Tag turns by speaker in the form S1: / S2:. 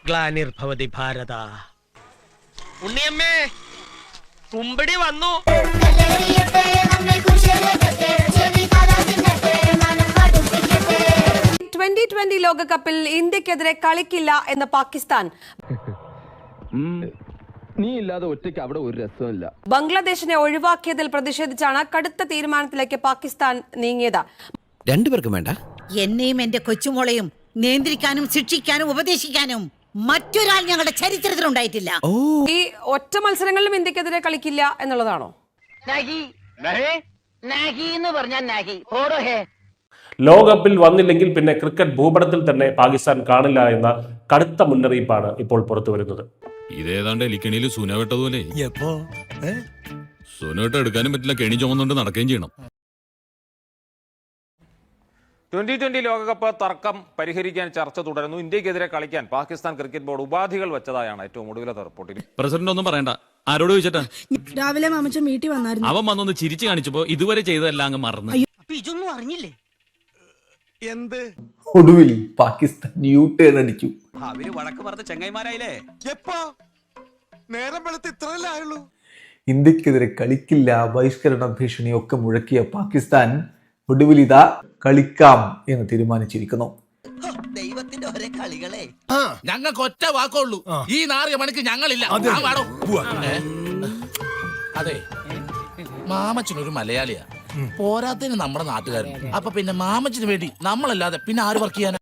S1: ഗ്ലാനിർഭവതി ഭാരത. ഉണ്ണിയമ്മേ, കുമ്പിടി വന്നു.
S2: 2020 ലോകകപ്പിൽ ഇന്ത്യക്കെതിരെ കളിക്കില്ല എന്ന് പാകിസ്ഥാൻ.
S3: നീ ഇല്ലാതെ ഒറ്റയ്ക്ക് അവിടെ ഒരു രസമില്ല.
S2: ബംഗ്ലാദേശിനെ ഒഴിവാക്കിയതിൽ പ്രതിഷേധിച്ചാണ് കടുത്ത തീരുമാനത്തിലേക്ക് പാകിസ്ഥാൻ നീങ്ങിയത്.
S4: രണ്ടുപേർക്കും വേണ്ട.
S5: എന്നെയും എന്റെ കൊച്ചുമോളെയും നിയന്ത്രിക്കാനും ശിക്ഷിക്കാനും ഉപദേശിക്കാനും മറ്റൊരാൾ ഞങ്ങളുടെ ചരിത്രത്തിലുണ്ടായിട്ടില്ല.
S2: ഈ ഒറ്റ മത്സരങ്ങളിലും ഇന്ത്യക്കെതിരെ കളിക്കില്ല എന്നുള്ളതാണോ?
S6: ലോകകപ്പിൽ വന്നില്ലെങ്കിൽ പിന്നെ ക്രിക്കറ്റ് ഭൂപടത്തിൽ തന്നെ പാകിസ്ഥാൻ കാണില്ല എന്ന കടുത്ത മുന്നറിയിപ്പാണ് ഇപ്പോൾ പുറത്തു വരുന്നത്.
S7: ഇതേതാണ്ട് എലിക്കണിയിൽ സുന വെട്ടതുപോലെ സുന വെട്ട എടുക്കാനും പറ്റില്ല, കെണി ചുമന്നുകൊണ്ട് നടക്കുകയും ചെയ്യണം.
S8: 2020 ലോകകപ്പ് തർക്കം പരിഹരിക്കാൻ ചർച്ച തുടരുന്നു. ഇന്ത്യക്കെതിരെ കളിക്കാൻ പാകിസ്ഥാൻ ക്രിക്കറ്റ് ബോർഡ് ഉപാധികൾ വെച്ചതായാണ് ഏറ്റവും ഒടുവിലത്തെ റിപ്പോർട്ടിൽ.
S7: പ്രസിഡന്റ് ഒന്നും പറയണ്ട, ആരോട് ചോദിച്ചിട്ടാ?
S9: രാവിലെ മാമച്ചൻ വീട്ടിൽ വന്നായിരുന്നു.
S7: അവൻ വന്നൊന്ന് ചിരിച്ചു കാണിച്ചപ്പോ ഇതുവരെ ചെയ്തതെല്ലാം അങ്ങ് മറന്നു.
S5: ഇതൊന്നും അറിഞ്ഞില്ലേ?
S10: എന്ത്?
S11: ഒടുവിൽ പാകിസ്ഥാൻ യു-ടേൺ അടിച്ചു.
S4: അവര് വഴക്ക് പറഞ്ഞ ചെങ്ങൈമാരായില്ലേ?
S10: എപ്പോ? നേരം വെളുത്ത് ഇത്രയല്ലേ ആയുള്ളൂ.
S11: ഇന്ത്യക്കെതിരെ കളിക്കില്ല, ബഹിഷ്കരണ ഭീഷണിയൊക്കെ മുഴക്കിയ പാകിസ്ഥാൻ ഒടുവിൽ ഇതാ കളിക്കാം എന്ന് തീരുമാനിച്ചിരിക്കുന്നു.
S5: ദൈവത്തിന്റെ ഒരേ കളികളെ.
S4: ഞങ്ങൾക്ക് ഒറ്റ വാക്കുള്ളൂ, ഈ നാറിയ മണിക്ക് ഞങ്ങളില്ല. അതെ, മാമച്ചനൊരു മലയാളിയാ, പോരാത്തതിന് നമ്മുടെ നാട്ടുകാരൻ. അപ്പൊ പിന്നെ മാമച്ചന് വേണ്ടി നമ്മളല്ലാതെ പിന്നെ ആര് വർക്ക് ചെയ്യാനാ?